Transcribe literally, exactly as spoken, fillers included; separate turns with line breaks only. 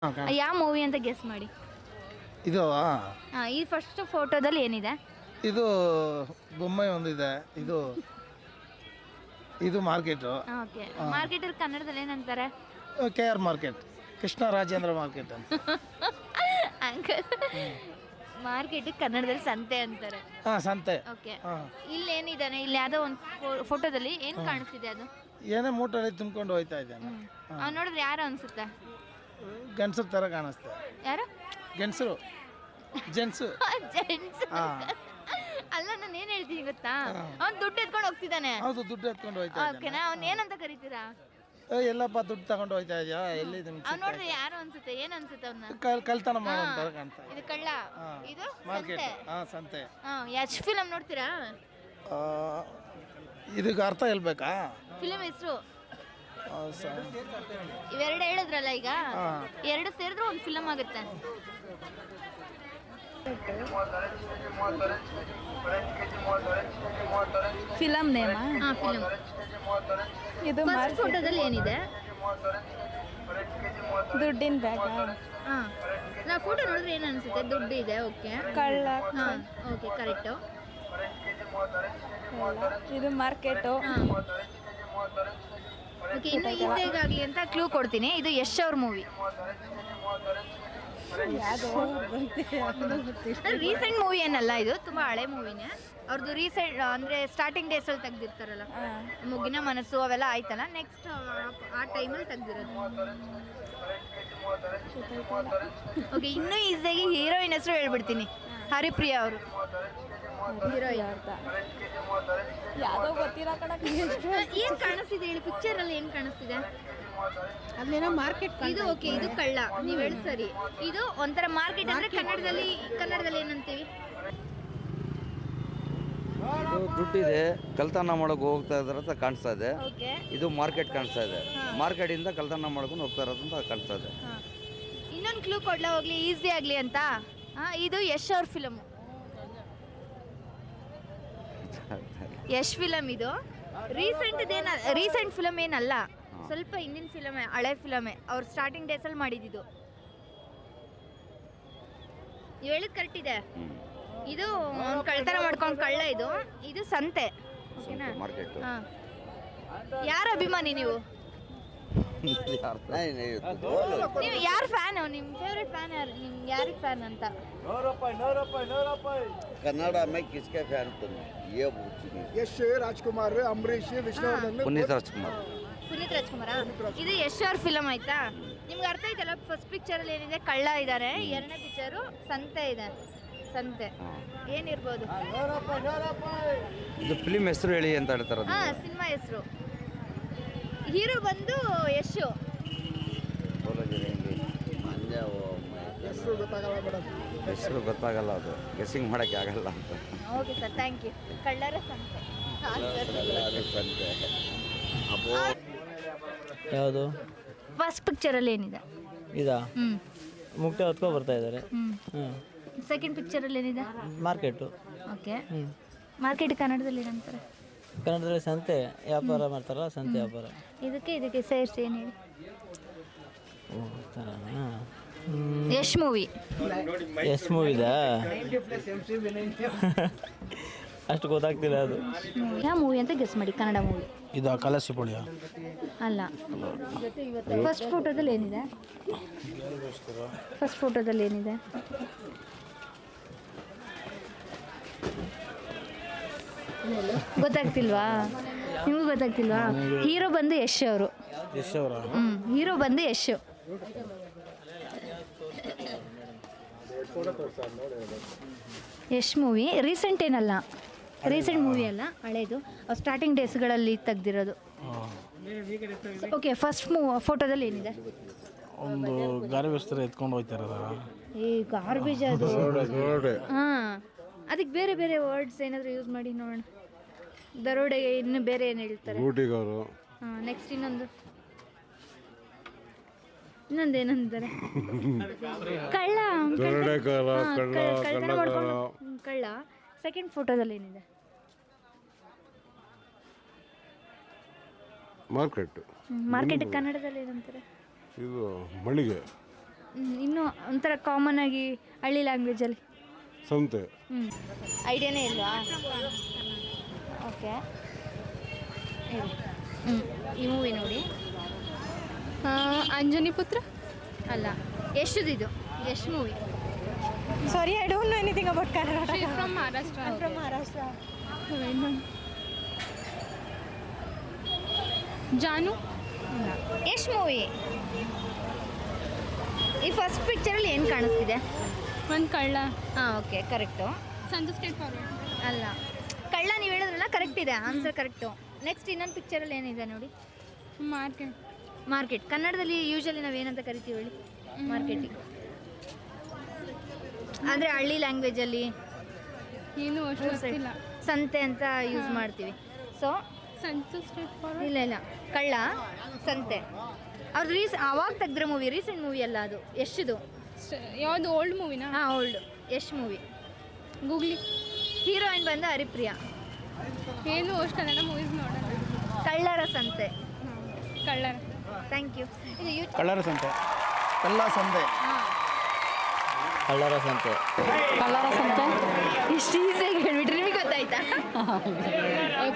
ಯಾವ ಮೂವಿ ಅಂತ ಗೆಸ್ ಮಾಡಿ.
ಇದು
ಹಾಂ ಈ ಫಸ್ಟ್ ಫೋಟೋದಲ್ಲಿ ಏನಿದೆ?
ಇದು ಬೊಮ್ಮೆ ಒಂದಿದೆ. ಇದು ಇದು ಮಾರ್ಕೆಟು.
ಓಕೆ ಮಾರ್ಕೆಟಲ್ಲಿ ಕನ್ನಡದಲ್ಲಿ ಏನಂತಾರೆ?
K R market, Krishna Rajendra market ಅಂತ.
ಅಂಕಲ್ ಮಾರ್ಕೆಟ್ ಕನ್ನಡದಲ್ಲಿ ಸಂತೆ ಅಂತಾರೆ.
ಹಾಂ ಸಂತೆ.
ಓಕೆ ಇಲ್ಲಿ ಏನಿದ್ದಾನೆ? ಇಲ್ಲಿ ಯಾವುದೋ ಒಂದು ಫೋಟೋದಲ್ಲಿ ಏನು ಕಾಣಿಸ್ತಿದೆ? ಅದು
ಏನೇ ಮೂಟಲ್ಲಿ ತುಂಬ್ಕೊಂಡು ಹೋಯ್ತಾ ಇದ್ದಾನೆ.
ಅವ್ನು ನೋಡಿದ್ರೆ ಯಾರು ಅನ್ಸುತ್ತೆ?
ಗಂಡಸರ ಥರ ಕಾಣಿಸ್ತೆ.
ಯಾರು?
ಗಂಡಸರು, ಜೆಂಟ್ಸು.
ಜೆಂಟ್ಸ್ ಅಲ್ಲ, ನಾನು ಏನು ಹೇಳ್ತೀನಿ ಗೊತ್ತಾ, ಅವ್ನು ದುಡ್ಡು ಎತ್ಕೊಂಡು ಹೋಗ್ತಿದ್ದಾನೆ.
ಹೌದು, ದುಡ್ಡು ಎತ್ಕೊಂಡು ಹೋಯ್ತಾ
ಓಕೆನಾ? ಅವ್ನು ಏನಂತ ಕರಿತೀರಾ?
ಎಲ್ಲಪ್ಪ ದುಡ್ಡು ತಗೊಂಡು ಹೋಯ್ತಾ ಇದೆಯಾ? ಎಲ್ಲಿ
ಅವ್ನು ನೋಡಿದ್ರೆ ಯಾರು ಅನ್ಸುತ್ತೆ? ಏನು ಅನ್ಸುತ್ತೆ ಅವ್ನ?
ಕಲ್ ಕಲ್ತನ ಮಾಡೋ ಥರ ಕಾಣ್ತಾ.
ಇದು ಕಳ್ಳ, ಇದು
ಮಾರ್ಕೆಟ್. ಹಾಂ ಸಂತೆ.
ಹಾಂ ಯಶ್ ಫಿಲಮ್ ನೋಡ್ತೀರಾ?
ಇದಕ್ಕೆ ಅರ್ಥ ಹೇಳ್ಬೇಕಾ?
ಫಿಲಮ್ ಹೆಸರು ಇವೆರಡು ಹೇಳಿದ್ರಲ್ಲ ಈಗ, ಎರಡು ಸೇರಿದ್ರೆ ಒಂದು ಫಿಲಮ್ ಆಗುತ್ತೆ.
Film name?
ಹಾಂ ಫಿಲಮ್.
ಇದು
ಫಸ್ಟ್ ಫೋಟೋದಲ್ಲಿ ಏನಿದೆ?
ದುಡ್ಡಿನ ಬ್ಯಾಗ.
ಹಾಂ ನಾ ಫೋಟೋ ನೋಡಿದ್ರೆ ಏನು ಅನಿಸುತ್ತೆ? ದುಡ್ಡು ಇದೆ. ಓಕೆ
ಕಳ್ಳ.
ಹಾಂ ಓಕೆ ಕರೆಕ್ಟು.
ಇದು ಮಾರ್ಕೆಟು.
ಓಕೆ ಇನ್ನು ಈಸಿಯಾಗಿ ಆಗಲಿ ಅಂತ ಕ್ಲೂ ಕೊಡ್ತೀನಿ. ಇದು ಯಶ್ ಅವ್ರ ಮೂವಿ. ರೀಸೆಂಟ್ ಮೂವಿ ಏನಲ್ಲ, ಇದು ತುಂಬ ಹಳೆ ಮೂವಿನೇ. ಅವ್ರದ್ದು ರೀಸೆಂಟ್ ಅಂದರೆ ಸ್ಟಾರ್ಟಿಂಗ್ ಡೇಸಲ್ಲಿ ತೆಗ್ದಿರ್ತಾರಲ್ಲ, ಮುಗಿನ ಮನಸ್ಸು ಅವೆಲ್ಲ ಆಯ್ತಲ್ಲ, ನೆಕ್ಸ್ಟ್ ಆ ಟೈಮಲ್ಲಿ ತೆಗ್ದಿರೋದು. ಓಕೆ ಇನ್ನೂ ಈಸಿಯಾಗಿ ಹೀರೋಯಿನ್ ಹೆಸರು ಹೇಳ್ಬಿಡ್ತೀನಿ. ಹರಿಪ್ರಿಯಾ ಅವರು ಹೀರೋಯಿನ್.
ಯಾವುದೋ ಗೊತ್ತಿರೋ ಕಡೆ
ಏನು ಕಾಣಿಸ್ತಿದೆ ಹೇಳಿ? ಪಿಕ್ಚರಲ್ಲಿ ಏನು ಕಾಣಿಸ್ತಿದೆ?
ಅಲ್ಲೇನೋ ಮಾರ್ಕೆಟ್.
ಇದು ಓಕೆ, ಇದು ಕಳ್ಳ, ನೀವು ಹೇಳಿ ಸರಿ. ಇದು ಒಂಥರ ಮಾರ್ಕೆಟ್ ಅಂದರೆ ಕನ್ನಡದಲ್ಲಿ ಕನ್ನಡದಲ್ಲಿ ಏನಂತೀವಿ?
ಇದು ದುಡ್ಡಿದೆ, ಕಳ್ತನ ಮಾಡೋಕೆ ಹೋಗ್ತಾ ಇದಾರೆ ಅಂತ ಕಾಣಿಸ್ತಾ ಇದೆ.
ಓಕೆ
ಇದು ಮಾರ್ಕೆಟ್ ಕಾಣಿಸ್ತಾ ಇದೆ. ಮಾರ್ಕೆಟಿಂದ ಕಳ್ತನ ಮಾಡ್ಕೊಂಡು ಹೋಗ್ತಾ ಇರೋದು ಅಂತ ಕಾಣಿಸ್ತಾ ಇದೆ.
ಇನ್ನೊಂದು ಕ್ಲೂ ಕೊಡ್ಲಾ ಹೋಗ್ಲಿ, ಈಸಿ ಆಗಲಿ ಅಂತ? ಹಾಂ ಇದು ಯಶ್ ಅವ್ರ ಫಿಲಮು. ಯಶ್ ಫಿಲಮ್ ಇದು. ರೀಸೆಂಟ್ ಏನ ರೀಸೆಂಟ್ ಫಿಲಮ್ ಏನಲ್ಲ, ಸ್ವಲ್ಪ ಹಿಂದಿನ ಫಿಲಮೇ, ಹಳೆ ಫಿಲಮೇ. ಅವ್ರು ಸ್ಟಾರ್ಟಿಂಗ್ ಡೇಸಲ್ಲಿ ಮಾಡಿದ್ದು. ನೀವು ಹೇಳಿದ್ ಕರೆಕ್ಟ್ ಇದೆ. ಇದು ಅವ್ನು ಕಳ್ತನ ಮಾಡ್ಕೊಂಡು ಕಳ್ಳ. ಇದು ಇದು ಸಂತೆ. ಓಕೆನಾ?
ಮಾರ್ಕೆಟ್.
ಹಾಂ ಯಾರ ಅಭಿಮಾನಿ ನೀವು? ನೀವು ಯಾರು ಫ್ಯಾನು? ನಿಮ್ಮ ಫೇವ್ರೆಟ್ ಫ್ಯಾನ್ ಯಾರು? ನಿಮ್ಗೆ ಯಾರಿಗೆ ಫ್ಯಾನ್ ಅಂತ?
ಕನ್ನಡ में किसके फैन तुम? ये
ಯಶ್, ರಾಜ್ಕುಮಾರ್, ಅಂಬರೀಷ್, ವಿಷ್ಣುವರ್ಧನ್,
ಪುನೀತ್ ರಾಜ್ಕುಮಾರ್.
ಪುನೀತ್ ರಾಜ್ಕುಮಾರ. ಇದು ಯಶ್ ಅವ್ರ ಫಿಲಮ್ ಆಯ್ತಾ? ನಿಮ್ಗೆ ಅರ್ಥ ಆಯ್ತಲ್ಲ? ಫಸ್ಟ್ ಪಿಕ್ಚರಲ್ಲಿ ಏನಿದೆ? ಕಳ್ಳ ಇದ್ದಾರೆ. ಎರಡನೇ ಪಿಕ್ಚರು ಸಂತೆ ಇದೆ. ಸಂತೆ ಏನಿರ್ಬೋದು?
ಇದು ಫಿಲ್ಮ್ ಹೆಸರು ಹೇಳಿ ಅಂತ ಹೇಳ್ತಾರೆ.
ಹಾಂ ಸಿನಿಮಾ ಹೆಸರು. ಹೀರೋ ಬಂದು ಯಶು.
ಹೆಸರು ಗೊತ್ತಾಗಲ್ಲ ಮೇಡಮ್.
ಹೆಸರು ಗೊತ್ತಾಗಲ್ಲ, ಅದು ಗೆಸ್ಸಿಂಗ್ ಮಾಡೋಕ್ಕೆ ಆಗಲ್ಲ ಅಂತ.
Okay sir, thank you. ಕಳ್ಳರ ಸಂತೆ.
ಯಾವುದು?
ಫಸ್ಟ್ ಪಿಕ್ಚರಲ್ಲಿ ಏನಿದೆ?
ಇದಾ?
ಹ್ಞೂ
ಮುಕ್ತ ಹೊತ್ಕೊ ಬರ್ತಾ ಇದ್ದಾರೆ.
ಹ್ಞೂ
ಹ್ಞೂ
ಸೆಕೆಂಡ್ ಪಿಕ್ಚರಲ್ಲಿ ಏನಿದೆ?
ಮಾರ್ಕೆಟು.
ಓಕೆ
ಹ್ಞೂ
ಮಾರ್ಕೆಟ್ ಕನ್ನಡದಲ್ಲಿ ಏನಂತಾರೆ?
ಕನ್ನಡದಲ್ಲಿ ಸಂತೆ ವ್ಯಾಪಾರ ಮಾಡ್ತಾರಲ್ಲ, ಸಂತೆ ವ್ಯಾಪಾರ.
ಇದಕ್ಕೆ ಇದಕ್ಕೆ ಸೇರಿಸಿ ಏನು ಹೇಳಿ?
ಓ ಥರನಾ?
ಯಶ್ ಮೂವಿ.
ಎಷ್ಟು ಮೂವಿದಾ? ಅಷ್ಟು ಗೊತ್ತಾಗ್ತಿಲ್ಲ ಅದು.
ಯಾವ ಮೂವಿ ಅಂತ ಗೆಸ್ ಮಾಡಿ, ಕನ್ನಡ ಮೂವಿ.
ಇದು ಕಲಸಿಪುಳಿಯ
ಅಲ್ಲ. ಫಸ್ಟ್ ಫೋಟೋದಲ್ಲಿ ಏನಿದೆ? ಫಸ್ಟ್ ಫೋಟೋದಲ್ಲಿ ಏನಿದೆ? ಗೊತ್ತಾಗ್ತಿಲ್ವಾ? ನಿಮಗೂ ಗೊತ್ತಾಗ್ತಿಲ್ವಾ? ಹೀರೋ ಬಂದು ಯಶ್ ಅವರು.
ಯಶ್ ಅವರ?
ಹ್ಞೂ ಹೀರೋ ಬಂದು ಯಶ್. ಯಶ್ ಮೂವಿ ರೀಸೆಂಟ್ ಏನಲ್ಲ, ರೀಸೆಂಟ್ ಮೂವಿ ಅಲ್ಲ, ಹಳೇದು. ಸ್ಟಾರ್ಟಿಂಗ್ ಡೇಸ್ಗಳಲ್ಲಿ ತೆಗ್ದಿರೋದು. ಓಕೆ ಫಸ್ಟ್ ಮೂ ಫೋಟೋದಲ್ಲಿ ಏನಿದೆ?
ಒಂದು ಗಾರ್ಬೇಜ್ ಥರ ಎತ್ಕೊಂಡು ಹೋಗ್ತಾರ.
ಏ ಗಾರ್ಬೇಜ್ ಅದು. ಹಾಂ ಅದಕ್ಕೆ ಬೇರೆ ಬೇರೆ ವರ್ಡ್ಸ್ ಏನಾದರೂ ಯೂಸ್ ಮಾಡಿ ನೋಡೋಣ. ದರೋಡೆಗೆ ಇನ್ನು ಬೇರೆ ಏನು ಹೇಳ್ತಾರೆ?
ಗೂಟಿಗವರು.
ಹಾಂ ನೆಕ್ಸ್ಟ್ ಇನ್ನೊಂದು ಇನ್ನೊಂದು ಏನಂತಾರೆ? ಕಳ್ಳ. ಕಳ್ಳ. ಸೆಕೆಂಡ್ ಫೋಟೋದಲ್ಲಿ ಏನಿದೆ?
ಮಾರ್ಕೆಟ್.
ಮಾರ್ಕೆಟ್ ಕನ್ನಡದಲ್ಲಿ ಏನಂತಾರೆ?
ಇದು ಮಳಿಗೆ.
ಹ್ಮ್, ಇನ್ನು ಒಂಥರ ಕಾಮನ್ ಆಗಿ ಹಳ್ಳಿ ಲ್ಯಾಂಗ್ವೇಜಲ್ಲಿ
ಸಂತೆ.
ಹ್ಞೂ ಐಡಿಯಾನೇ ಇಲ್ವಾ? ಓಕೆ ಹ್ಞೂ ಈ ಮೂವಿ ನೋಡಿ.
ಅಂಜನಿ ಪುತ್ರ.
ಅಲ್ಲ, ಯಶ್ದಿದು Yash movie.
Sorry, I don't know anything about Kannada.
From Maharashtra.
From Maharashtra.
Jaanu. Yash movie. ಈ ಫಸ್ಟ್ ಪಿಕ್ಚರಲ್ಲಿ ಏನು ಕಾಣಿಸ್ತಿದೆ?
ಒಂದು ಕಳ್ಳ.
ಹಾಂ okay correct.
Sanju state forward.
ಅಲ್ಲ, ಕಳ್ಳ ನೀವು ಹೇಳಿದ್ರಲ್ಲ ಕರೆಕ್ಟ್ ಇದೆ, ಆನ್ಸರ್ ಕರೆಕ್ಟು. ನೆಕ್ಸ್ಟ್ ಇನ್ನೊಂದು ಪಿಕ್ಚರಲ್ಲಿ ಏನಿದೆ ನೋಡಿ?
ಮಾರ್ಕೆಟ್.
ಮಾರ್ಕೆಟ್. ಕನ್ನಡದಲ್ಲಿ ಯೂಶಲಿ ನಾವು ಏನಂತ ಕರಿತೀವಿ ಹೇಳಿ? ಮಾರ್ಕೆಟಿಂಗ್. ಅಂದರೆ ಹಳ್ಳಿ ಲ್ಯಾಂಗ್ವೇಜಲ್ಲಿ
ಏನು ಅಷ್ಟು ಗೊತ್ತಿಲ್ಲ.
ಸಂತೆ ಅಂತ ಯೂಸ್ ಮಾಡ್ತೀವಿ. So
Sanju state forward.
ಇಲ್ಲ ಇಲ್ಲ, ಕಳ್ಳ ಸಂತೆ ಅವ್ರದ್ದು ರೀಸ್ ಅವಾಗ ತೆಗ್ದ್ರೆ ಮೂವಿ, ರೀಸೆಂಟ್ ಮೂವಿ ಅಲ್ಲ ಅದು, ಯಶ್ದು.
ಯಾವುದು ಓಲ್ಡ್ ಮೂವಿನಾ?
ಹಾಂ old Yash movie.
Googly.
Heroine ಬಂದು ಹರಿಪ್ರಿಯಾ.
ಏನು ಅಷ್ಟು ಕನ್ನಡ ಮೂವೀಸ್ ನೋಡೋಣ.
ಕಳ್ಳರ ಸಂತೆ.
ಕಳ್ಳರ.
Thank you. ಇದು ಯೂ
ಕಳ್ಳರ ಸಂತೆ. ಕಳ್ಳ ಸಂತೆ.
ಹಾಂ
ಕಳ್ಳರ ಸಂತೆ.
ಕಳ್ಳರ ಸಂತೆ.
ಇಷ್ಟು ಈಸಿಯಾಗಿ ಹೇಳ್ಬಿಟ್ರಿ, ನಿಮಗೆ ಗೊತ್ತಾಯ್ತಾ?